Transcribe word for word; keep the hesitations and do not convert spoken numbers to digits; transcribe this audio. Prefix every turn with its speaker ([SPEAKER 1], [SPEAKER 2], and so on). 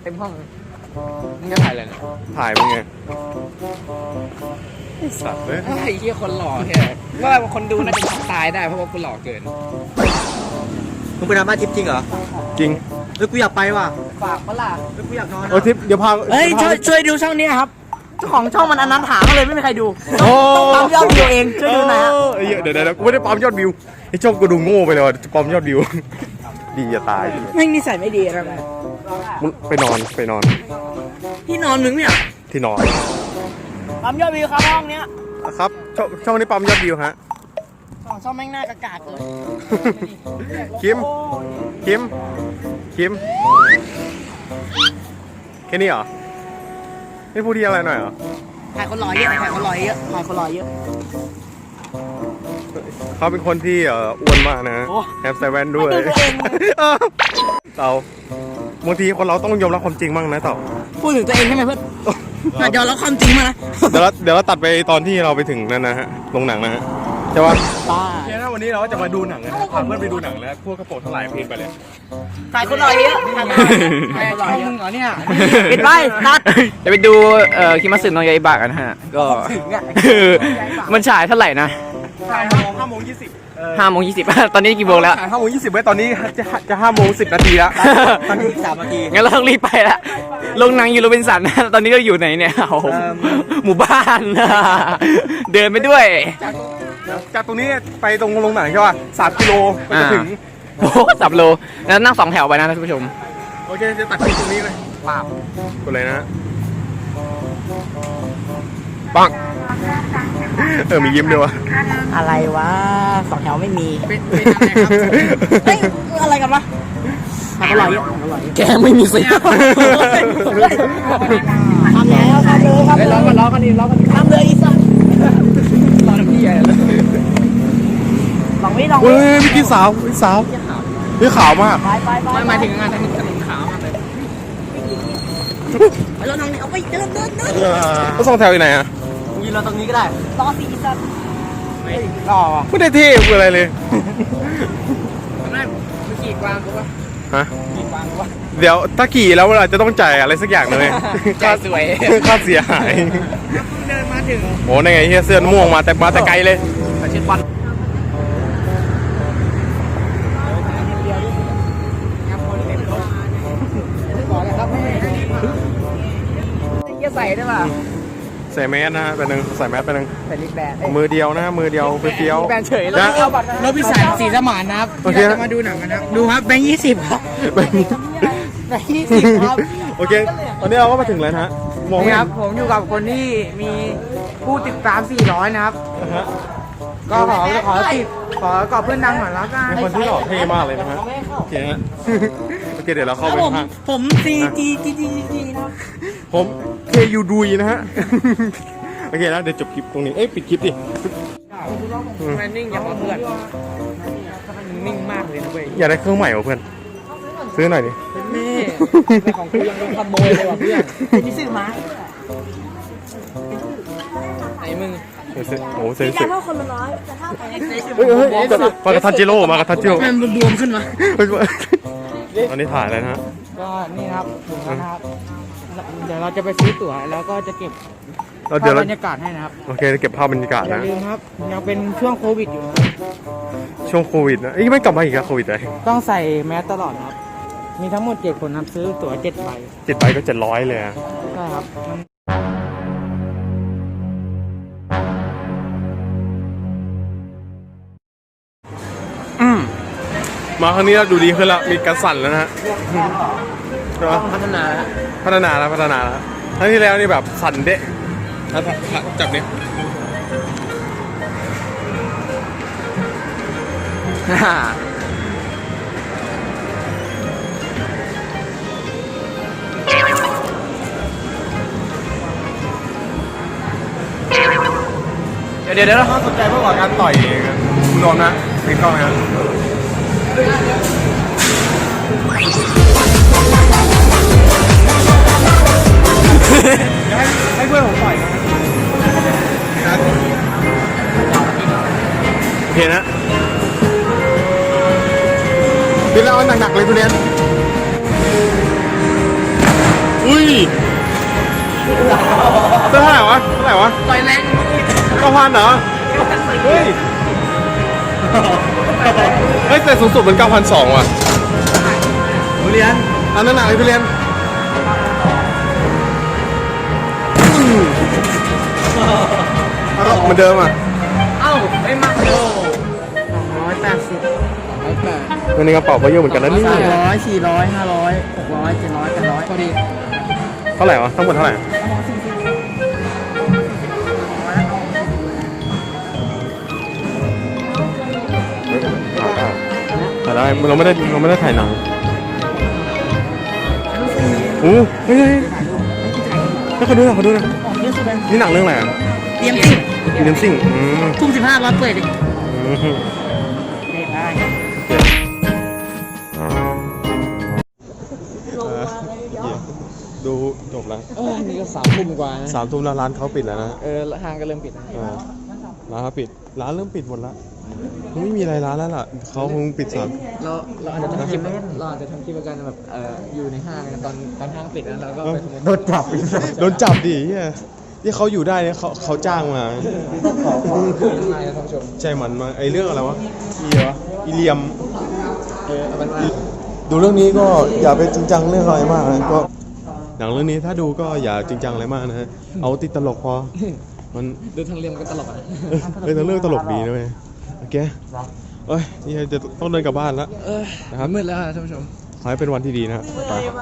[SPEAKER 1] เต็มห้องมึงจะถ่ายอะไรเนี่ย
[SPEAKER 2] ถ่ายมึงไงไอ้สัตว์เลย
[SPEAKER 1] ไอ้เหี้ยคนหล่อแค่ว่าคนดูน่าจะช็อกตายได้เพราะว่ากูหล่อเกิน
[SPEAKER 3] มึงไปทำบ้านทิปจริงเหรอ
[SPEAKER 2] จริง
[SPEAKER 3] แล้วกูอยากไปว่ะ
[SPEAKER 1] ฝากปะล่ะ
[SPEAKER 3] แล้วกูอยากนอน
[SPEAKER 2] เออทิปเดี๋ยวพา
[SPEAKER 3] เฮ้ยช่วยช่วยดูช่องนี้ครับเจ้าของช่องมันอนันถาก็เลยไม่มีใครดูต้องปั๊มยอดวิวเองช่วยดูนะ
[SPEAKER 2] เดี๋ยวเดี๋ยวกูไม่ได้ปั๊มยอดวิวไอ้ช่องกูดูโง่ไปเลยจะปั๊มยอดวิวดีจะตาย
[SPEAKER 3] ไม่นิสัยไม่ดีอะไร
[SPEAKER 2] มึงไปนอนไปนอน
[SPEAKER 3] ที่นอนมึงเนี่ย
[SPEAKER 2] ที่นอน
[SPEAKER 3] ปั๊มยอดวิวครับห้องเนี้ย
[SPEAKER 2] ครับช่องช่องนี้ปั๊มยอดวิวฮะ
[SPEAKER 3] ของช่องแม่งหน้ากากาดเลย
[SPEAKER 2] คิมคิมคิมแค่นี้เหรอไม่พูดที่อะไรหน่อยเหรอ
[SPEAKER 3] ถ่ายคนหล่อเยอะถ่ายคนหล่อเยอะถ่ายคนหล่อเยอะ
[SPEAKER 2] เขาเป็นคนที่อ้วนมากนะแฮปใส่แว่นด้วยเต่าบางทีคนเราต้องยอมรับความจริงบ้างนะเต่า
[SPEAKER 3] พูดถึงตัวเองใช่ไหมเพื่อนยอมรับความจริงมานะ
[SPEAKER 2] เดี๋ยวเราเดี๋ยวเราตัดไปตอนที่เราไปถึงนั่นนะฮะโรงหนังนะฮะใช่ปะ
[SPEAKER 3] ป้า
[SPEAKER 2] เดี๋ยววันนี้เราจะมาดูหนังนะพาเพื่อนไปดูหนังแล้วพวกกระโปรงทั้งหลายเพลงไปเลย
[SPEAKER 3] ถ่ายคนหล่อเยอะถ่ายคนหล่อเยอะ
[SPEAKER 1] มึงเหรอเนี่ย
[SPEAKER 3] ปิดไว้นัด
[SPEAKER 1] จะไปดูเอ่อคิมัสึโนะยาอิบะกันฮะก็มันฉายเท่าไหร่นะ
[SPEAKER 2] ห้าโมงห้าโมงยี่สิบ
[SPEAKER 1] ห้าโมงยี่สิบตอนนี้กี่โมงแล้ว
[SPEAKER 2] ห้าโมงยี่สิบไว้ตอนนี้จะจะห้าโมงสิบนาทีแล้ว
[SPEAKER 3] ตอนนี้สามนาที
[SPEAKER 1] งั้นเราต้องรีบไปละลงหนังอยู่โรบินสันนะตอนนี้เราอยู่ไหนเนี่ยหมู่บ้านเดินไปด้วย
[SPEAKER 2] จากตรงนี้ไปตรงโรงหนังใช่ป่ะสามกิโลก็จะถึง
[SPEAKER 1] โอ้สับโลแล้วนั่งสองแถวไปนะท่านผู้ชม
[SPEAKER 2] โอเคจะตัดคลิปตรงนี้เลยปาบกดเลยนะปังเออมียิ้มด้วยวะ
[SPEAKER 3] อะไรวะสองแถวไม่มีเป็นอะไรครับเฮ้ยอะไรกันวะอร่อยอร่อย
[SPEAKER 1] แกไม่มีสิ
[SPEAKER 3] ทำแล้วทำเลยครับ
[SPEAKER 1] ล้อกันล้อกันดีล้อกัน
[SPEAKER 3] ทำเลยอีสัตว์
[SPEAKER 1] ล้อน้ำพี่ใหญ่เลย
[SPEAKER 3] ลองวิ่งลอง
[SPEAKER 2] วิ่งเฮ้ยพี่สาวพี่สาวพี่ขาวมาก
[SPEAKER 1] ไม่หมายถึงงานถนนถนนขาวมากเลย
[SPEAKER 3] ไปแล้วน้องนี่เอาไปเดินเดินเดิน
[SPEAKER 2] ก็ส่งแถวอยู่ไหนอ่ะ
[SPEAKER 3] ยืนรอตรงนี้ก็ได้รอสี่สัตว์
[SPEAKER 1] ไม่รอวะ
[SPEAKER 2] ไม่ได้เท่อะไรเลย
[SPEAKER 1] ไม่ไม่ขี่กวางกูวะ
[SPEAKER 2] ฮะ
[SPEAKER 1] ขี่กวางกูวะ
[SPEAKER 2] เดี๋ยวถ้าขี่แล้วเราจะต้องจ่ายอะไรสักอย่างเลย
[SPEAKER 1] ค่าสวย
[SPEAKER 2] ค่าเสียหาย
[SPEAKER 1] เดินมาถึง
[SPEAKER 2] โอ้ในไงเฮียเสื้อม่วงมาแต่มาแต่ไกลเลย
[SPEAKER 1] มาเช็ดบอลจะใส่ได้ป่ะ
[SPEAKER 2] ใส่แมสนะฮะเป็นหนึ่งใส่แมสเป็นหนึ่ง
[SPEAKER 1] ใส่ลิปแบน
[SPEAKER 2] มือเดียวนะมือเดียวเฟี้ยว
[SPEAKER 1] แบนเฉยแล้วแล้วพี่สายสีสมานนะครับที่จะมาดูหนังกันนะ
[SPEAKER 3] ดูครับแบงค์ยี่สิบครับแบงค์ยี่สิบครับ
[SPEAKER 2] โอเคตอนนี้เราก็มาถึงแล้วนะฮะ
[SPEAKER 1] มองครับผมอยู่กับคนที่มีผู้ติดตามสี่ร้อยนะครับก็ขอขอติดขอกอบเพื่อนดังหน่อยแล้วกัน
[SPEAKER 2] เป็นคนที่หล่อเท่มากเลยนะฮะโอเคฮะโอเคเดี๋ยวเราเข้าไปข้าง
[SPEAKER 3] ผมซีจีจีจีจีนะ
[SPEAKER 2] ผมเคยูดุยนะฮะโอเคแล้วเดี๋ยวจบคลิปตรงนี้เอ้ยปิดคลิปดิ
[SPEAKER 1] แมนนิ่งอย่างเพื่อนนิ่งมากเลยนะเว้ย
[SPEAKER 2] อยากได้เครื่องใหม่เหรอเพื่อนซื้อหน่อยดิ
[SPEAKER 1] นี่ในของกูยังขโมยเลยว่ะเพื่อน
[SPEAKER 3] ที่ซื้อมา
[SPEAKER 1] ไอ้มึง
[SPEAKER 2] โอ้เซ็นเซ็น
[SPEAKER 3] เท่าคนละร้อยแต่ถ้าไป
[SPEAKER 2] เฮ้ยเฮ้ยมากระทันจิโร่มากระทันจิโร่
[SPEAKER 3] มันบวมขึ้นมา
[SPEAKER 2] ตอนนี้ถ่ายอะไรนะฮะ
[SPEAKER 1] ก็นี่ครับถึงแล้วนะครับเดี๋ยวเราจะไปซื้อตั๋วแล้วก็จะเก็บภาพบรรยากาศให้นะครับ
[SPEAKER 2] โอเคจะเก็บภาพบรรยากาศนะ
[SPEAKER 1] อย่าลืมครับยังเป็นช่วงโควิดอยู่
[SPEAKER 2] ช่วงโควิดนะยังไม่กลับมาอีกครับโควิดเลย
[SPEAKER 1] ต้องใส่แมสตลอดครับมีทั้งหมดเจ็ดคนครับซื้อตั๋วเจ็ดใบ
[SPEAKER 2] เจ็ดใบก็เจ็ดร้อยเลย
[SPEAKER 1] ใช่ครับ
[SPEAKER 2] มาครั้งนี้เราดูดีขึ้นแล้วมีกระสั่นแล้วนะฮะ
[SPEAKER 1] พัฒนา
[SPEAKER 2] พัฒนาแล้วพัฒนาแล้วครั้งที่แล้วนี่แบบสั่นเดะจับเนี่ยเดี๋ยวเดี๋ยวเราสนใจเพื่อการต่อยคุณโดนนะปิดกล้องนะให้ให้เพื่อนผมต่อยนะโอเคนะพี่เล่าหนักๆเลยคุณเรียนเท่าไหร่วะเท่าไหร่วะ
[SPEAKER 3] ต่อยแรง
[SPEAKER 2] เก้าพันเหรอเฮ้ยเฮ้ยแต่สูงสุดมันเก้าพันสองว่ะ
[SPEAKER 3] ทุเรียน
[SPEAKER 2] อันนั้นหนักเลยพี่เรียนเอาเหมือนเดิมอ่ะ
[SPEAKER 3] เอ้าไม่มาโล
[SPEAKER 1] สองร้อยแปดสิบ
[SPEAKER 2] เงินในกระเป๋าก็เยอะเหมือนกันนะนี่
[SPEAKER 1] สามร้อยสี่ร้อยห้าร้อยหกร้อยเจ็ดร้อยแปดร้อยพอดี
[SPEAKER 2] เท่าไหร่วะทั้งหมดเท่าไหร่ถ่ายได้เราไม่ได้เราไม่ได้ถ่ายหนังโอ้เฮ้ยให้เขาดูหน่อยเขาดูหน่อยนี่หนังเรื่องอะไรอ่ะ
[SPEAKER 3] เตรียมสิ
[SPEAKER 2] อีเดนซิ่งอืม
[SPEAKER 3] ทุ่มสิบห้าร้อยเปิดดิ
[SPEAKER 2] อืม
[SPEAKER 3] ได้
[SPEAKER 2] ดูจบแล้ว
[SPEAKER 1] เออนี่ก็สามทุ่มกว่านะ
[SPEAKER 2] สามทุ่มแล้วร้านเขาปิดแล้วนะ
[SPEAKER 1] เออห้างก็เริ่มปิดแล้ว
[SPEAKER 2] เออร้านเขาปิด ร้านเริ่มปิดหมดแล้วไม่มีอะไรร้านแล้วล่ะเขาคงปิดสาม
[SPEAKER 1] เราเราอาจจะทำคลิปเราอาจจะทำคลิปกันแบบเอออยู่ในห้างกันตอนตอนห้างปิดแล้วเราก็ไปโดนจับอีก
[SPEAKER 2] โดนจับดิเฮียที่เขาอยู่ได้เนี่ยเขาเขาจ้างมา
[SPEAKER 1] ขอความคืนมาท่านผู้ชม
[SPEAKER 2] ใจมันมาไอเรื่องอะไรวะอีเหรออีเลียม
[SPEAKER 1] เออเอาเป็นว่า
[SPEAKER 2] ดูเรื่องนี้ก็อย่าไปจริงจังเรื่องอะไรมากนะก็หนังเรื่องนี้ถ้าดูก็อย่าจริงจังอะไรมากนะฮะเอาติดตลกพอมัน
[SPEAKER 1] ดูทางเรียมก็ตลกนะ
[SPEAKER 2] เออเรื่องตลกดีนะเว้ยโอเคเอ้ยนี่จะต้องเดินกลับบ้านแล้ว
[SPEAKER 1] เออ
[SPEAKER 2] นะครับ
[SPEAKER 1] มืดแล้วท่านผู้ชม
[SPEAKER 2] ขอให้เป็นวันที่ดีนะครับ